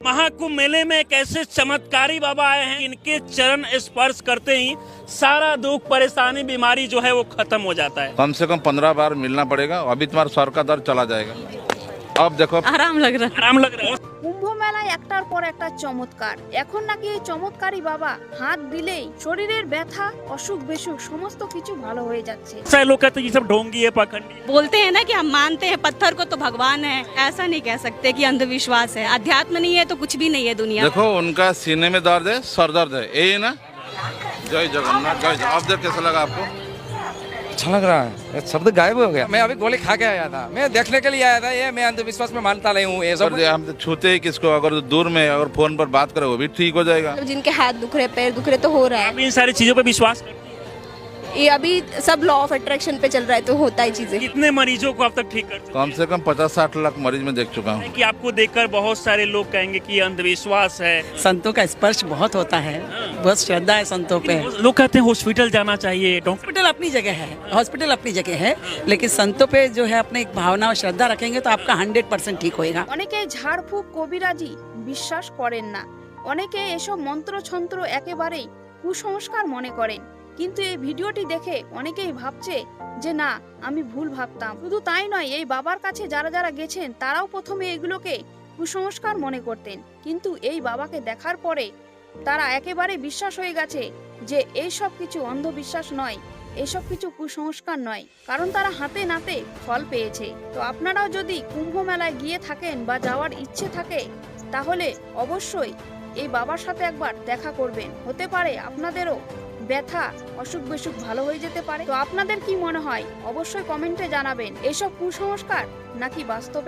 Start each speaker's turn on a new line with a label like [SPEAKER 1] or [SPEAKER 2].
[SPEAKER 1] महाकुंभ मेले में एक ऐसे चमत्कारी बाबा आए हैं, इनके चरण स्पर्श करते ही सारा दुख परेशानी बीमारी जो है वो खत्म हो जाता है।
[SPEAKER 2] कम से कम 15 बार मिलना पड़ेगा, अभी तुम्हारा सर का दर्द चला जाएगा। अब देखो
[SPEAKER 3] आराम लग रहा है।
[SPEAKER 1] आराम लग रहा है।
[SPEAKER 4] কুম্ভ মেলায় একটার পর একটা চমৎকার। এখন নাকি এই চমৎকারী বাবা হাত দিলেই শরীরের ব্যথা অসুখ বিসুখ সমস্ত কিছু ভালো হয়ে যাচ্ছে।
[SPEAKER 1] ऐसे लोग कहते हैं ये सब ढोंगी है, पखंडी है।
[SPEAKER 3] बोलते हैं ना कि हम मानते हैं पत्थर को तो भगवान है, ऐसा नहीं कह सकते कि अंधविश्वास है। अध्यात्म नहीं है तो कुछ भी नहीं है दुनिया।
[SPEAKER 2] देखो उनका सीने में दर्द है, सर दर्द है, यही ना। जय जगन्नाथ, जय जगन्नाथ। अब देख कैसा लगा आपको?
[SPEAKER 5] अच्छा लग रहा है, शब्द गायब हो गया। मैं अभी गोली खा के आया था, मैं देखने के लिए आया था। ये मैं अंधविश्वास में मानता नहीं हूँ ये सब।
[SPEAKER 2] और हम तो छूते ही किसको, अगर दूर में अगर फोन पर बात करे वो भी ठीक हो जाएगा।
[SPEAKER 6] जिनके हाथ दुख रहे, पैर दुख रहे तो हो रहा है।
[SPEAKER 1] आप इन सारी चीजों पे विश्वास करते हैं?
[SPEAKER 6] ये अभी सब लॉ ऑफ अट्रैक्शन पे चल रहा है तो होता है चीजें।
[SPEAKER 1] कितने मरीजों को अब तक ठीक कर चुके
[SPEAKER 2] कम से कम 50-60 लाख मरीज में देख चुका हूँ।
[SPEAKER 1] हैं? कि आपको देखकर बहुत सारे लोग कहेंगे कि ये अंधविश्वास है।
[SPEAKER 7] संतों का स्पर्श बहुत होता है, बहुत श्रद्धा है संतों पे।
[SPEAKER 1] लोग कहते हैं हॉस्पिटल जाना चाहिए, डॉक्टर।
[SPEAKER 7] हॉस्पिटल अपनी जगह है, हॉस्पिटल अपनी जगह है, लेकिन संतों पे जो है अपने एक भावना और श्रद्धा रखेंगे तो आपका 100% ठीक होएगा।
[SPEAKER 4] অনেকে ঝাড়ফুঁক কবিরাজি বিশ্বাস করেন না, অনেকে এসব মন্ত্রছন্ত্র একেবারেই কুসংস্কার মনে করেন। কিন্তু এই ভিডিওটি দেখে অনেকেই ভাবছে যে না আমি ভুল ভাবতাম। শুধু তাই নয়, এই বাবার কাছে যারা যারা গেছেন তারাও প্রথমে এগুলোকে কুসংস্কার মনে করতেন, কিন্তু এই বাবাকে দেখার পরে তারা একেবারে বিশ্বাস হয়ে গেছে যে এই সব কিছু অন্ধবিশ্বাস নয়, এসব কিছু কুসংস্কার নয়, কারণ তারা হাতে নাতে ফল পেয়েছে। তো আপনারাও যদি কুম্ভ মেলায় গিয়ে থাকেন বা যাওয়ার ইচ্ছে থাকে তাহলে অবশ্যই এই বাবার সাথে একবার দেখা করবেন, হতে পারে আপনাদেরও ব্যথা অসুখ বিসুখ ভালো হয়ে যেতে পারে। তো আপনাদের কি মনে হয় অবশ্যই কমেন্টে জানাবেন, এসব কুসংস্কার নাকি বাস্তবে